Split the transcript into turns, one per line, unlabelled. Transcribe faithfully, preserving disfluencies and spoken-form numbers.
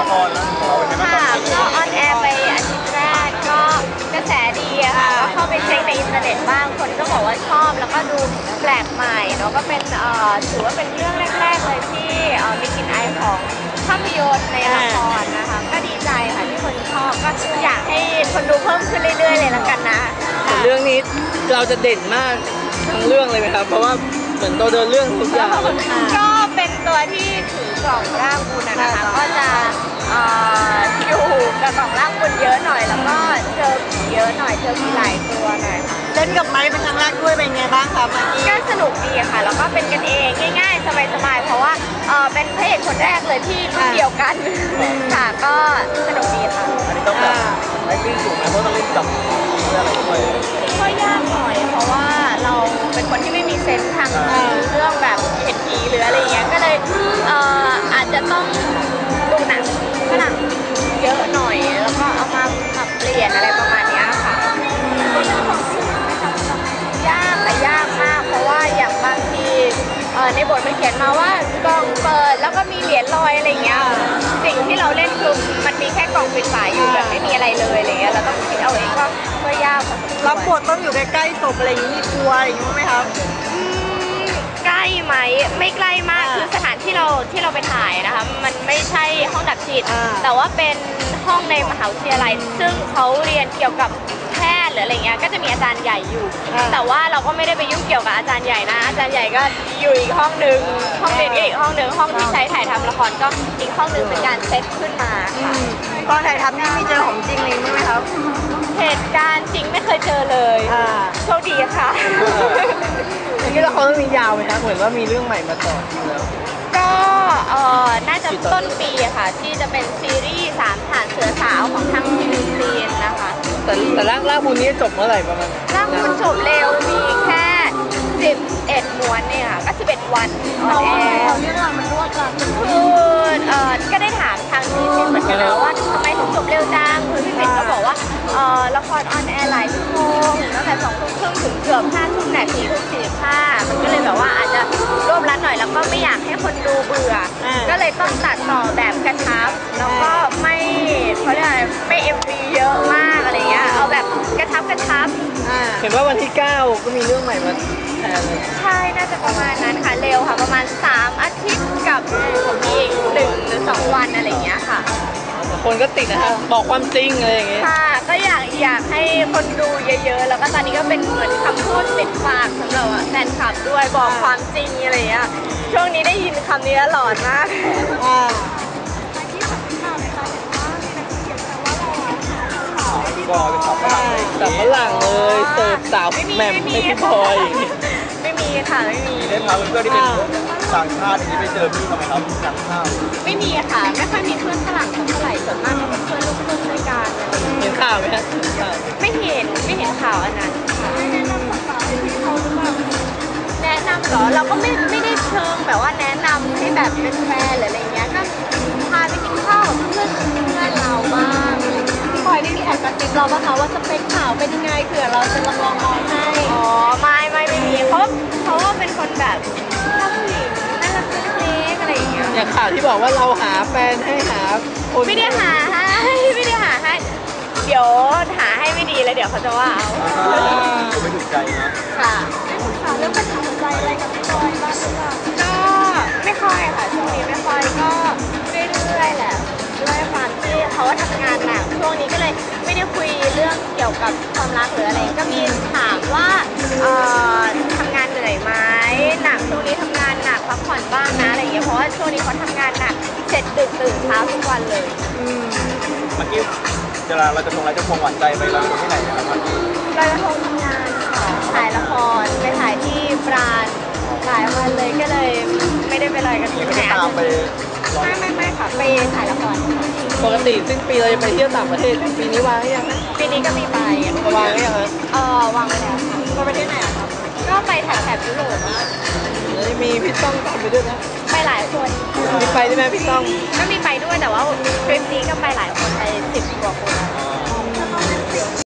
ครของเราเป็นไงบ้าง
ค่ะก็ออนแอร์ไปอาทิตย์แรกก็กระแสดีอะค่ะก็เข้าไปเช็คในอินเทอร์เน็ตบ้างคนก็บอกว่าชอบแล้วก็ดูแปลกใหม่เนาะก็เป็นเอ่อถือว่าเป็นเรื่องแรกๆเลยที่เอ่อมีกลิ่นอายของภาพยนตร์ในละครนะคะก็ดีใจค่ะที่คนชอบก็อยากให้คนดูเพิ่มขึ้นเรื่อยๆเลยละกันนะ
เรื่องนี้เราจะเด่นมากทั้งเรื่องเลยไหมครับเพราะว่าเหมือนตัวเดินเรื่องทุกอย่าง
ก็เป็นตัวที่ถือกล่องร่างบุญนะคะก็จะอยู่กับกล่องร่างบุญเยอะหน่อยแล้วก็เจอผีเยอะหน่อยเจอผีหลายตัวหน่อยค่ะ
เล่นกับไม้เป็นครั้งแรกด้วยเป็นไงบ้างครับ
ก็สนุกดีค่ะแล้วก็เป็นกันเองง่ายๆสบายๆเพราะว่าเป็นพระเอกคนแรกเลยที่รุ่นเดียวกันค่ะก็สนุกดีค่ะ
อันนี้ต้องแบบไอ้ปิ้งสูงไหมเพราะต้องเล่นกับอะไรด้วย
ก็ยากหน่อยเพราะว่าเราเป็นคนที่ไม่มีเซนส์ทางเรื่องแบบเห็นผีหรืออะไรเงี้ยก็เลยอาจจะต้องดูหนังฝรั่งเยอะหน่อยแล้วก็เอามาปรับเปลี่ยนอะไรประมาณนี้ค่ะยากแต่ยากมากเพราะว่าอย่างบางทีในบทมันเขียนมาว่ากล่องเปิดแล้วก็มีเหรียญลอยอะไรเงี้ยสิ่งที่เราเล่นคือมันมีแค่กล่องปิดฝาอยู่แบบไม่มีอะไรเลยอะไรเงี้ยเราต้องคิดเอาเองก็ก็ยาก
รับบทต้องอยู่ใกล้ๆศพอะไรอย่างนี้มีกลัวอะไรอย่างนี้ไหมครับ
ใกล้ไหมไม่ใกล้มากคือสถานที่เราที่เราไปถ่ายนะคะมันไม่ใช่ห้องดับจิตแต่ว่าเป็นห้องในมหาวิทยาลัยซึ่งเขาเรียนเกี่ยวกับแพทย์หรืออะไรเงี้ยก็จะมีอาจารย์ใหญ่อยู่แต่ว่าเราก็ไม่ได้ไปยุ่งเกี่ยวกับอาจารย์ใหญ่นะอาจารย์ใหญ่ก็อยู่อีกห้องหนึ่งห้องเรียนก็อีกห้องหนึ่งห้องที่ใช้ถ่ายทำละครก็อีกห้องหนึ่งเป็นการเซตขึ้นมาค่ะ
ตอนถ่ายทำนี่มีเจอของจริงเลยไหมครับ
เหตุการณ์จริงไม่เคยเจอเลยโชคดีค่ะ
นี่ละครเรื่องนี้ยาวไหมครับเหมือนว่ามีเรื่องใหม่มาต่อแล้ว
ก็เอ่อน่าจะต้นปีค่ะที่จะเป็นซีรีส์สามฐานเสือสาวของทางทีวีซีนนะคะ
แต่แต่ร่างร่างบุญนี้จบเมื่อไหร่ประมาณ
ร่างบุญจบเร็วมีแค่สิบเอ็ดม้วนเนี่ยค่ะก็สิบเอ็ดวันออนแอร์
เรื่องราวมันรวดรัด
คือเอ่อก็ได้ถามทางทีวีเหมือนกันนะว่าทำไมถึงจบเร็วจังคือพี่เพ็ญก็บอกว่าเอ่อละครออนแอร์หลายชั่วโมงตั้งแต่สองทุ่มครึ่งถึงเกือบห้าทุ่มนาทีทุ่มสี่สิบห้ามันก็เลยแบบว่าอาจจะรวบรัดหน่อยแล้วก็ไม่อยากให้คนดูเบื่อก็เลยต้องตัดต่อแบบกระชับแล้วก็ไม่เขาเรียกอะไรไม่เอ็มวีเยอะมากอะไรเงี้ยเอาแบบกระชับกระชับ
เห็นว่าวันที่เก้าก็มีเรื่องใหม่มาแทนเลย
ใช่น่าจะประมาณนั้นค่ะเร็วค่ะประมาณสามอาทิตย์กับอีกหนึ่งหรือสองวันอะไรเงี้ยค่ะ
คนก็ติดนะคะบอกความจริงอะไรอย่างเงี้ย
ค่ะก็อยากอยากให้คนดูเยอะๆแล้วก็ตอนนี้ก็เป็นเหมือนคำพูดติดปากสำหรับแฟนคลับด้วยบอกความจริงอะไรเงี้ยช่วงนี้ได้ยินคำนี้หลอนมาก
ก็เป็นสาวฝรั่งเลย
สาวฝรั่งเลยเสิร์ฟสาวแหม่มไม่พี่พลอย
ไม่มีค่ะไม่มี
ได้พาเพื่อนที่เป็นต่างชาติอย่างนี้ไปเจอพี่ทำไมครับต่างชาติ
ไม่มีค่ะไม่ค่อยมีเพื่อนฝรั่งเท่าไหร่ส่วนมากก็เป็นเพื่อนลูกครึ่งด้วยกัน
เห็นข่าวไหมฮะ
ไม่เห็นไม่เห็นข่าวอันนั้นแนะนำเหรอเราก็ไม่ไม่ได้เชิงแบบว่าแนะนำให้แบบเป็นแฟนหรืออะไรเงี้ยก็พาไปกินข้าวเพื่อนเพื่อนเราบ้าง
พี่พลอยได้มีแอบกระซิบเราบ้างคะว่าสเปคข่าวเป็นยังไงเผื่อเราจะลองลองมองให้
อ๋อไม่ไม่ไม่มีเพราะเพราะว่าเป็นคนแบบชอบผู้หญิงน่ารักเล็กอะไรอย่างเงี้ย
อย่างข่าวที่บอกว่าเราหาแฟนให้หา
คนไม่ได้หาให้ไม่ได้หาให้เดี๋ยวหาให้ไม่ดีแล้วเดี๋ยวเขาจะว่าเอา
ไม่ถูกใจนะ
ค่ะ
ค่ะเรื่องปัญหาหัวใจอะไรกับพี่พลอยบ้างหรือเปล่า
ก็ไม่ค่อยค่ะช่วงนี้ไม่ค่อยก็เรื่อยๆแหละด้วยความที่เขาทำงานหนักช่วงนี้ก็เลยไม่ได้คุยเรื่องเกี่ยวกับความรักหรืออะไรก็มีถามว่าเอ่อทำงานเหนื่อยไหมหนักช่วงนี้ทำงานหนักพักผ่อนบ้างนะอะไรอย่างเงี้ยเพราะว่าช่วงนี้เขาทำงานหนักเสร็จดึกตื่นเช้าทุกวันเลย
เมื่อกี้เวลาเราจะทงอะไรจะพวงหวานใจไปเราที่ไหนนะครับ
เราจะทงทำงานถ่ายละครไปถ่ายที่ปราณหลายวันเลยก็เลยไม่ได้ไปลอยกันที่ไหนไม่ไม่ไม่ค่ะไปถ่ายละคร
ปกติสิ้นปีเราจะไปเที่ยวต่างประเทศปีนี้วางหรือยัง
ปีนี้ก็มีไป
วางหรือยังคะ
เออวางไปแล้วค่ะ
ไปประเทศไหนอะครับ
ก็ไปแถบแถบยุโรป
แล้วมีพี่ต้องตามไปด้วยนะ
ไปหลายคน
มีไปได้ไหมพี่ต้อง
ก็มีไปด้วยแต่ว่าทริปนี้ก็ไปหลายคนไปสิบกว่าคน